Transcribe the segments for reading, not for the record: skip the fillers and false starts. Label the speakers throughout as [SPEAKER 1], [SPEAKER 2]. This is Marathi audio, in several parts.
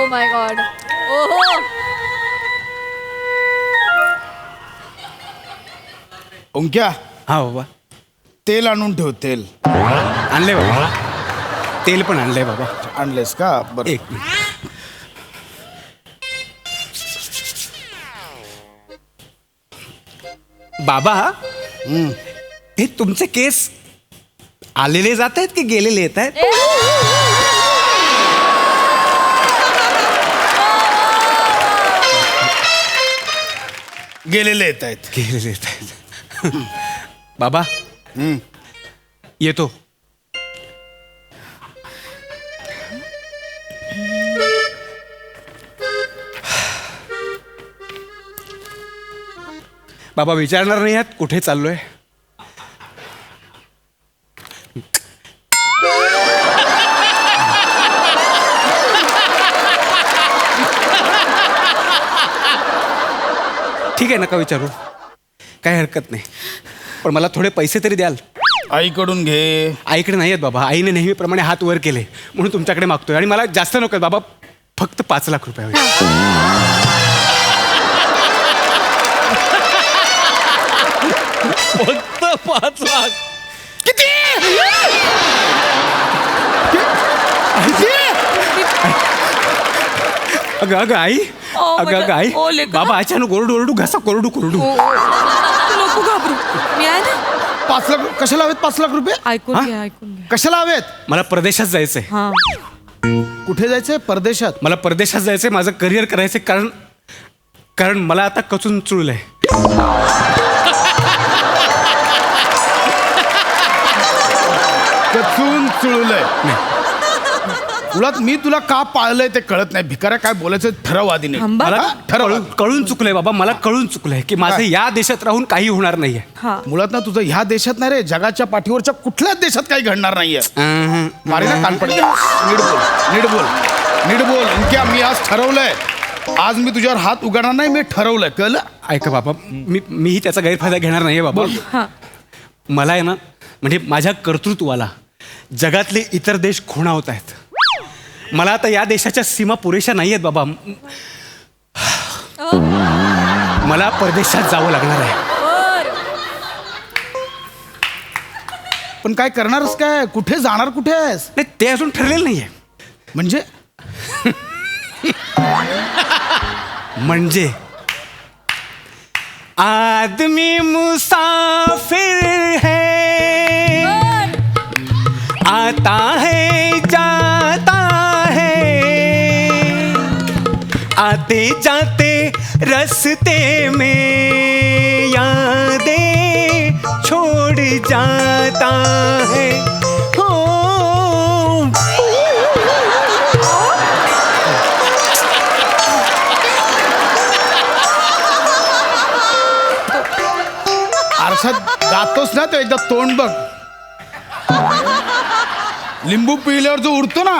[SPEAKER 1] Oh my God. ओहो.
[SPEAKER 2] ओंक्या,
[SPEAKER 3] हा बाबा.
[SPEAKER 2] तेल आणून ठेव. तेल
[SPEAKER 3] आणलंय बाबा. तेल पण आणलंय बाबा.
[SPEAKER 2] आणलेस का? बरं.
[SPEAKER 3] एक मिनिट. बाबा, हे तुमचे केस आलेले जात आहेत की गेलेले येत आहेत?
[SPEAKER 2] गेलेले येत आहेत.
[SPEAKER 3] गेलेले येत आहेत. बाबा, येतो. बाबा विचारणार नाही आहात कुठे चाललोय? ठीक आहे, नका विचारू, काही हरकत नाही. पण मला थोडे पैसे तरी द्याल?
[SPEAKER 2] आईकडून घे.
[SPEAKER 3] आईकडे नाही आहेत बाबा. आईने नेहमीप्रमाणे हात वर केले म्हणून तुमच्याकडे मागतोय. आणि मला जास्त नको बाबा, फक्त 5 लाख रुपये हवे.
[SPEAKER 4] फक्त 5 लाख.
[SPEAKER 2] किती?
[SPEAKER 3] अगं अगं आई, अगं अगं आई,
[SPEAKER 1] ओ, लेकरं.
[SPEAKER 3] बाबा अचानक ओरडू ओरडू घसा कोरडू कोरडू.
[SPEAKER 1] नको घाबरू. मी आहे ना.
[SPEAKER 2] 5 लाख कशाला हवेत? 5 लाख रुपये
[SPEAKER 1] ऐकून
[SPEAKER 3] हा?
[SPEAKER 1] घ्या, ऐकून घ्या.
[SPEAKER 2] कशाला हवेत?
[SPEAKER 3] मला परदेशात जायचंय.
[SPEAKER 1] हा.
[SPEAKER 2] कुठे जायचंय? परदेशात.
[SPEAKER 3] मला परदेशात जायचंय, माझं करिअर करायचंय. कारण मला आता कचून चुळलंय.
[SPEAKER 2] कचून चुळलंय. मुळात मी तुला का पाळलंय ते कळत नाही. भिकाऱ्या काय बोलायचं ठरव आधी नाही.
[SPEAKER 1] थांबा.
[SPEAKER 3] मला
[SPEAKER 2] ठरव.
[SPEAKER 3] कळून चुकलंय बाबा. मला कळून चुकलंय की माझं या देशात राहून काही होणार नाहीये.
[SPEAKER 1] हा.
[SPEAKER 2] मुळात ना तुझं ह्या देशात नाही रे, जगाच्या पाठीवरच्या कुठल्याच देशात काही घडणार नाहीये. मारे ना कानपड. नीट बोल, नीट बोल, नीट बोल. ओंक्या, मी आज ठरवलंय, आज मी तुझ्यावर हात उघडणार नाही. मी ठरवलंय, कळलं?
[SPEAKER 3] ऐका बाबा, मीही त्याचा गैरफायदा घेणार नाहीये बाबा.
[SPEAKER 1] हा.
[SPEAKER 3] मला आहे ना, म्हणजे माझ्या कर्तृत्वाला जगातले इतर देश खुणावत आहेत. मला आता या देशाच्या सीमा पुरेशा नाही आहेत बाबा. मला परदेशात जावं लागणार आहे.
[SPEAKER 2] पण काय करणारच काय? कुठे जाणार? कुठे आहेस?
[SPEAKER 3] नाही, ते अजून ठरलेलं नाहीये.
[SPEAKER 2] म्हणजे
[SPEAKER 3] म्हणजे आदमी मुसाफिर है, आता है जाता है, आते जाते रस्ते में यादें छोड़ जाता है. हो.
[SPEAKER 2] आरशात गातोस ना, तो एकदा तोंड बघ. लिंबू पिल्यावर जो उडतो ना,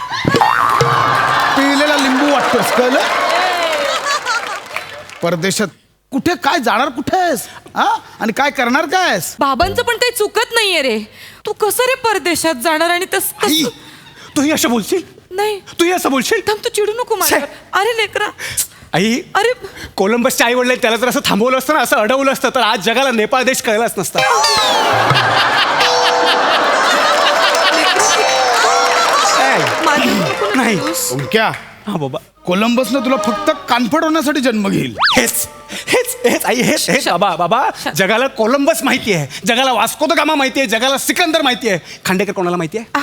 [SPEAKER 2] पिलेला लिंबू वाटतोस, कळलं? परदेशात कुठे काय जाणार? कुठे आहेस? हा? आणि काय करणार? काय आहेस?
[SPEAKER 1] बाबांचं पण काही चुकत नाहीये रे. तू कसं रे परदेशात जाणार? आणि
[SPEAKER 3] आई, तूही असं बोलशील?
[SPEAKER 1] नाही.
[SPEAKER 3] तूही असं बोलशील?
[SPEAKER 1] थांब, तू चिडू नको माझ्यावर. अरे लेकरा.
[SPEAKER 3] आई,
[SPEAKER 1] अरे
[SPEAKER 3] कोलंबसच्या आई वडील त्याला जर असं थांबवलं असतं ना, असं अडवलं असतं, तर आज जगाला नेपाळ देश कळलाच नसता. नाही.
[SPEAKER 2] ओंक्या,
[SPEAKER 3] हा बाबा,
[SPEAKER 2] कोलंबसनं तुला फक्त कानफड होण्यासाठी जन्म घेईल.
[SPEAKER 3] हेच हेच हेच आई, हेच हेच बाबा. बाबा, जगाला कोलंबस माहिती आहे, जगाला वास्को द गामा माहिती आहे, जगाला सिकंदर माहिती आहे. खांडेकर कोणाला माहिती आहे?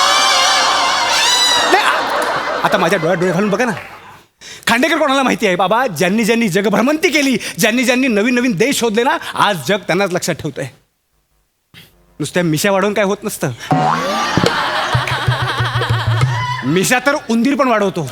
[SPEAKER 3] आता माझ्या डोळ्यात डोळे घालून बघा ना. खांडेकर कोणाला माहिती आहे बाबा? ज्यांनी ज्यांनी जगभ्रमंती केली, ज्यांनी ज्यांनी नवीन नवीन देश शोधले ना, आज जग त्यांनाच लक्षात ठेवतंय. नुसत्या मिशा वाढवून काय होत नसतं. मिशा तर उंदीर पण वाढवतो.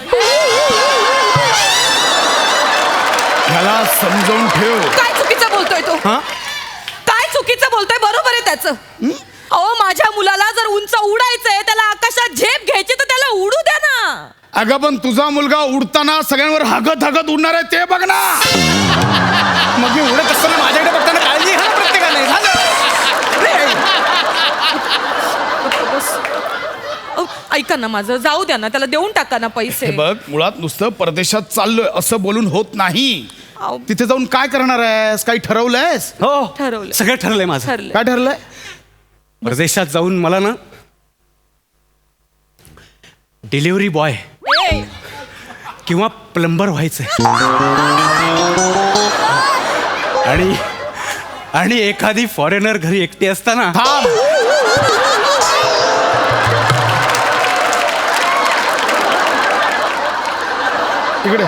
[SPEAKER 2] ह्याला समजावून ठेव.
[SPEAKER 1] काय चुकीचं बोलतोय तो?
[SPEAKER 3] हा?
[SPEAKER 1] काय चुकीचं बोलतोय? बरोबर आहे त्याचं. अहो, माझ्या मुलाला जर उंच उडायचंय, त्याला आकाशात झेप घ्यायची, तर त्याला उडू द्या ना.
[SPEAKER 2] अगं पण तुझा मुलगा उडताना सगळ्यांवर हागत हागत उडणार आहे, ते बघ ना.
[SPEAKER 3] मग मी उडत असताना माझ्याकडे बघताना काळजी घ्या ना प्रत्येकाने.
[SPEAKER 1] ऐका ना माझं, जाऊ द्या ना, त्याला देऊन टाका ना पैसे.
[SPEAKER 2] हे बघ, मुळात नुसतं परदेशात चाललोय असं बोलून होत नाही.
[SPEAKER 1] अहो.
[SPEAKER 2] तिथे जाऊन काय करणार आहेस? काही ठरवलंयस?
[SPEAKER 3] हो
[SPEAKER 1] ठरवलंय.
[SPEAKER 3] सगळं ठरलंय माझं.
[SPEAKER 1] ठरलंय.
[SPEAKER 2] काय ठरलंय?
[SPEAKER 3] परदेशात जाऊन मला ना डिलिव्हरी बॉय
[SPEAKER 1] ए,
[SPEAKER 3] किंवा प्लंबर व्हायचंय. आणि आणि एखादी फॉरेनर घरी एकटी असताना
[SPEAKER 2] थांब. इकडे.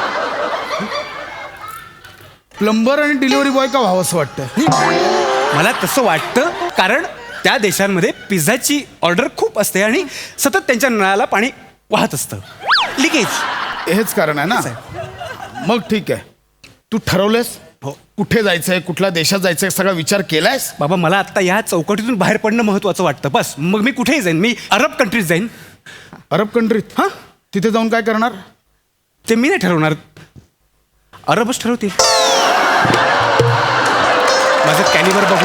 [SPEAKER 2] प्लंबर आणि डिलिव्हरी बॉय का व्हावं असं वाटतं?
[SPEAKER 3] मला तसं वाटतं कारण त्या देशांमध्ये पिझ्झाची ऑर्डर खूप असते आणि सतत त्यांच्या नळाला पाणी वाहत असतं. लिकेज.
[SPEAKER 2] हेच कारण आहे ना. मग ठीक आहे, तू ठरवलंयस?
[SPEAKER 3] हो.
[SPEAKER 2] कुठे जायचंय, कुठल्या देशात जायचंय, सगळा विचार केलायस?
[SPEAKER 3] बाबा मला आता या चौकटीतून बाहेर पडणं महत्वाचं वाटतं. बस मग मी कुठेही जाईन. मी अरब कंट्रीज जाईन.
[SPEAKER 2] अरब कंट्रीत?
[SPEAKER 3] हां
[SPEAKER 2] तिथे जाऊन काय करणार?
[SPEAKER 3] ते मी नाही ठरवणार, अरबच ठरवतील. माझं कॅलिबर बघू.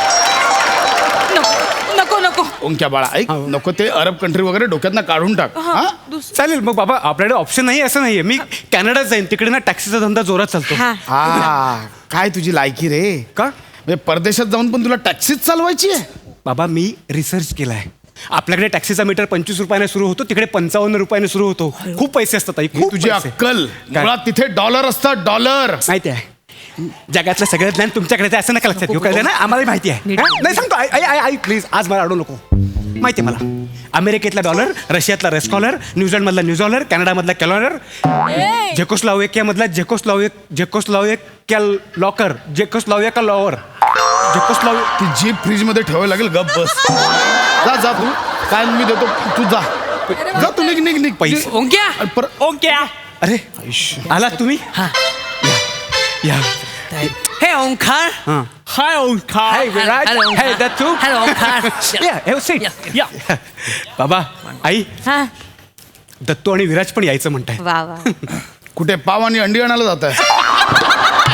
[SPEAKER 1] नको नको.
[SPEAKER 2] ओंक्या बाळा ऐक, नको ते अरब कंट्री वगैरे डोक्यातनं काढून टाक. हा?
[SPEAKER 3] चालेल मग बाबा, आपल्याकडे ऑप्शन नाही असं नाहीये. मी कॅनडात जाईन, तिकडे ना टॅक्सीचा धंदा जोरात चालतो.
[SPEAKER 1] हा.
[SPEAKER 2] हा, काय तुझी लायकी रे?
[SPEAKER 3] का
[SPEAKER 2] म्हणजे परदेशात जाऊन पण तुला टॅक्सीच चालवायची आहे?
[SPEAKER 3] बाबा मी रिसर्च केलाय. आपल्याकडे टॅक्सीचा मीटर 25 रुपयाने सुरू होतो, तिकडे 55 रुपयाने सुरू होतो. खूप पैसे असतात ताई,
[SPEAKER 2] ही
[SPEAKER 3] खूप
[SPEAKER 2] तुझी
[SPEAKER 3] पैसे.
[SPEAKER 2] अक्कल.
[SPEAKER 3] काय?
[SPEAKER 2] मुळात तिथे डॉलर असतात, डॉलर.
[SPEAKER 3] माहिती आहे, जगातलं सगळं ज्ञान तुमच्याकडे आहे असं नका लक्षात घेऊ. कळलं ना, आम्हाला माहिती आहे.
[SPEAKER 1] नीट.
[SPEAKER 3] हा? नाही सांगतो, आई प्लीज आज मला अडवू नको. माहिती आहे मला. अमेरिकेतला डॉलर, रशियातला रेस्कॉलर, न्यूझीलंडमधला न्यूझॉलर, कॅनडामधला कॅलॉलर, झेकोस्लोवाकियामधला झेकोस्लोवाकिया लॉकर, झेकोस्लोवाकिया लॉवर,
[SPEAKER 2] ती जीप फ्रीज मध्ये ठेवावी लागेल. गप बस. जा जा तू. काय मी देतो, तू जा. जा तू, निघ निघ निघ.
[SPEAKER 3] पैसे.
[SPEAKER 4] ओंक्या
[SPEAKER 2] अरे, पर-
[SPEAKER 4] ओंक्या
[SPEAKER 3] अरे आलात तुम्ही?
[SPEAKER 4] हा.
[SPEAKER 3] या.
[SPEAKER 4] हे ओंकार
[SPEAKER 3] हां.
[SPEAKER 4] Hi Omkar
[SPEAKER 3] Hi, Virat.
[SPEAKER 4] Hello
[SPEAKER 3] Hey, that too?
[SPEAKER 4] Hello Omkar
[SPEAKER 3] Yeah, have a seat.
[SPEAKER 4] या
[SPEAKER 3] बाबा आई,
[SPEAKER 1] हा.
[SPEAKER 3] दत्तू आणि विराज पण यायचं म्हणताय.
[SPEAKER 1] वा वा.
[SPEAKER 2] कुठे पाव आणि अंडी आणायला जात आहे?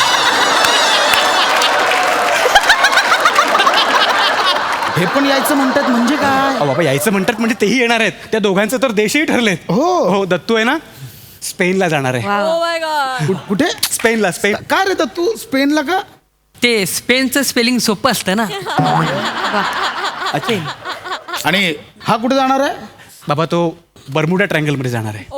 [SPEAKER 2] हे पण यायचं म्हणतात म्हणजे काय?
[SPEAKER 3] अहो बाबा यायचं म्हणतात म्हणजे तेही येणार आहेत. त्या दोघांचं तर देशही ठरलेत.
[SPEAKER 2] हो.
[SPEAKER 3] दत्तू आहे ना स्पेनला जाणार आहे.
[SPEAKER 1] Oh my God.
[SPEAKER 2] कुठे?
[SPEAKER 3] स्पेनला. स्पेन.
[SPEAKER 2] काय रे तू स्पेनला का?
[SPEAKER 4] ते स्पेनचं स्पेलिंग सोपं असतं ना.
[SPEAKER 2] आणि हा कुठे जाणार आहे?
[SPEAKER 3] बाबा तो बर्मुडा ट्रायंगल मध्ये जाणार आहे.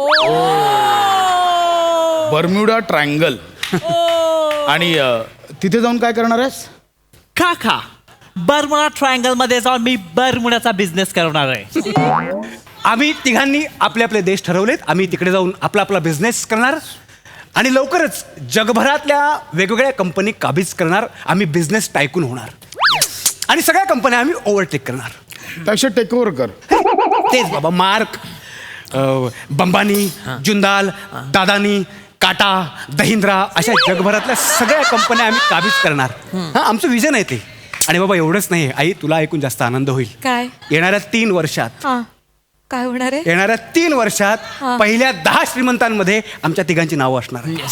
[SPEAKER 2] Bermuda triangle. आणि तिथे जाऊन काय करणार आहेस?
[SPEAKER 5] काका बर्मुडा ट्रायंगल मध्ये जाऊन मी बर्मुडाचा बिझनेस करणार आहे.
[SPEAKER 3] आम्ही तिघांनी आपले आपले देश ठरवलेत. आम्ही तिकडे जाऊन आपला आपला बिझनेस करणार आणि लवकरच जगभरातल्या वेगवेगळ्या कंपनी काबीज करणार. आम्ही बिझनेस टायकून होणार आणि सगळ्या कंपन्या आम्ही ओव्हरटेक करणार.
[SPEAKER 2] त्यापेक्षा टेक ओव्हर कर.
[SPEAKER 3] तेच बाबा. मार्क, बंबानी, जुंदाल, दादानी, टाटा, दहिंद्रा अशा जगभरातल्या सगळ्या कंपन्या आम्ही काबीज करणार. हा आमचं विजन आहे ते. आणि बाबा एवढंच नाही आई, तुला ऐकून जास्त आनंद होईल.
[SPEAKER 1] काय?
[SPEAKER 3] येणाऱ्या 3 वर्षात
[SPEAKER 1] हा. काय होणार आहे?
[SPEAKER 3] येणाऱ्या 3 वर्षात
[SPEAKER 1] हा.
[SPEAKER 3] पहिल्या 10 श्रीमंतांमध्ये आमच्या तिघांची नावं असणार आहेत.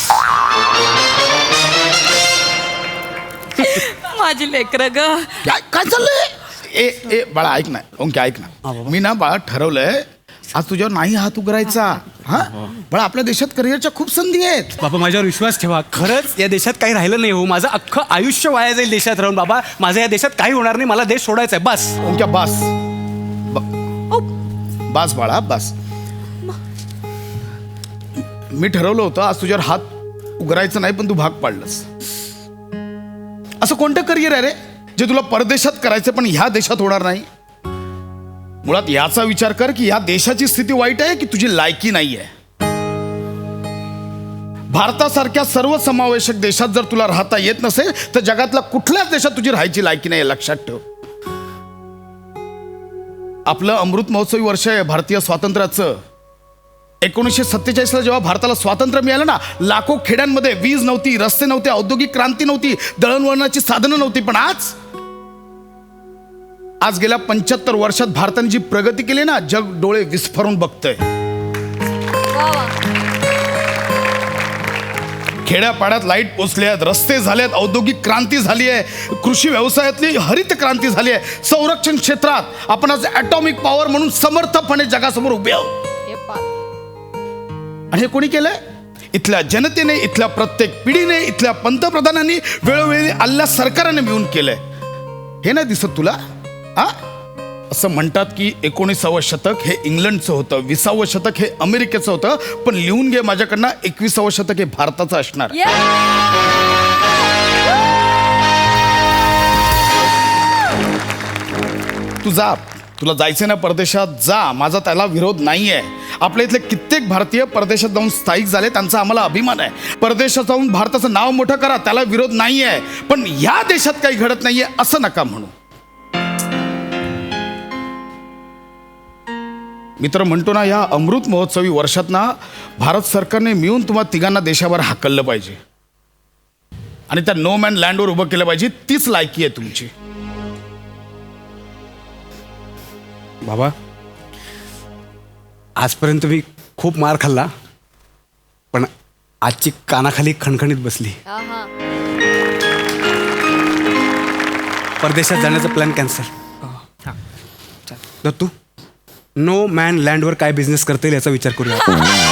[SPEAKER 1] माझी लेकरं ग.
[SPEAKER 2] काय काय चाललंय? ए बाळा ऐक ना, ओंके ऐक ना. मी ना बाळा ठरवलंय आज तुझ्यावर नाही हात उघडायचा. हा बाळा, आपल्या देशात करिअरच्या खूप संधी आहेत.
[SPEAKER 3] बाबा माझ्यावर विश्वास ठेवा. खरंच या देशात काही राहिलं नाही हो. माझं अख्खं आयुष्य वाया जाईल देशात राहून. बाबा माझं या देशात काही होणार नाही. मला देश सोडायचा आहे बस.
[SPEAKER 2] ओंक्या बास. बास बाळा बास. मी ठरवलं होतं आज तुझ्यावर हात उघडायचं नाही, पण तू भाग पाडलंस. असं कोणतं करिअर आहे रे जे तुला परदेशात करायचं पण ह्या देशात होणार नाही? मुळात याचा विचार कर की ह्या देशाची स्थिती वाईट आहे की तुझी लायकी नाही आहे. भारतासारख्या सर्वसमावेशक देशात जर तुला राहता येत नसेल तर जगातल्या कुठल्याच देशात तुझी राहायची लायकी नाही, लक्षात ठेव. आपलं अमृत महोत्सवी वर्ष आहे भारतीय स्वातंत्र्याचं. 1947ला जेव्हा भारताला स्वातंत्र्य मिळालं ना, लाखो खेड्यांमध्ये वीज नव्हती, रस्ते नव्हते, औद्योगिक क्रांती नव्हती, दळणवळणाची साधनं नव्हती. पण आज गेल्या 75 वर्षात भारताने जी प्रगती केली ना, जग डोळे विस्फारून बघतंय. खेड्यापाड्यात लाईट पोचले आहेत, रस्ते झाले आहेत, औद्योगिक क्रांती झाली आहे, कृषी व्यवसायातली हरित क्रांती झाली आहे, संरक्षण क्षेत्रात आपण आज ॲटॉमिक पॉवर म्हणून समर्थपणे जगासमोर उभे आहोत. आणि हे कोणी केलंय? इथल्या जनतेने, इथल्या प्रत्येक पिढीने, इथल्या पंतप्रधानांनी, वेळोवेळी आल्या सरकाराने मिळून केलंय. हे नाही दिसत तुला? हा, असं म्हणतात की 19वे शतक हे इंग्लंडचं होतं, 20वे शतक हे अमेरिकेचं होतं, पण लिहून घे माझ्याकडनं 21वे शतक हे भारताचं असणार. तू जा, तुला जायचं ना परदेशात, जा. माझा त्याला विरोध नाहीये. आपल्या इथले कित्येक भारतीय परदेशात जाऊन स्थायिक झाले, त्यांचा आम्हाला अभिमान आहे. परदेशात जाऊन भारताचं नाव मोठं करा, त्याला विरोध नाहीये. पण या देशात काही घडत नाहीये असं नका म्हणू. मित्र म्हणतो ना, या अमृत महोत्सवी वर्षात ना भारत सरकारने मिळून तुम्हाला तिघांना देशावर हाकललं पाहिजे आणि त्या नो मॅन लँडवर उभं केलं पाहिजे. तीच लायकी आहे तुमची.
[SPEAKER 3] बाबा, आजपर्यंत मी खूप मार खाल्ला, पण आजची कानाखाली खणखणीत बसली. परदेशात जाण्याचा plan cancel. Dattu, no man लँडवर काय बिझनेस करता येईल याचा विचार करूया.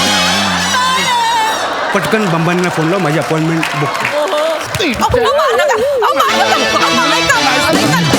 [SPEAKER 3] पटकन बंबांना फोन लाव, माझी अपॉइंटमेंट बुक.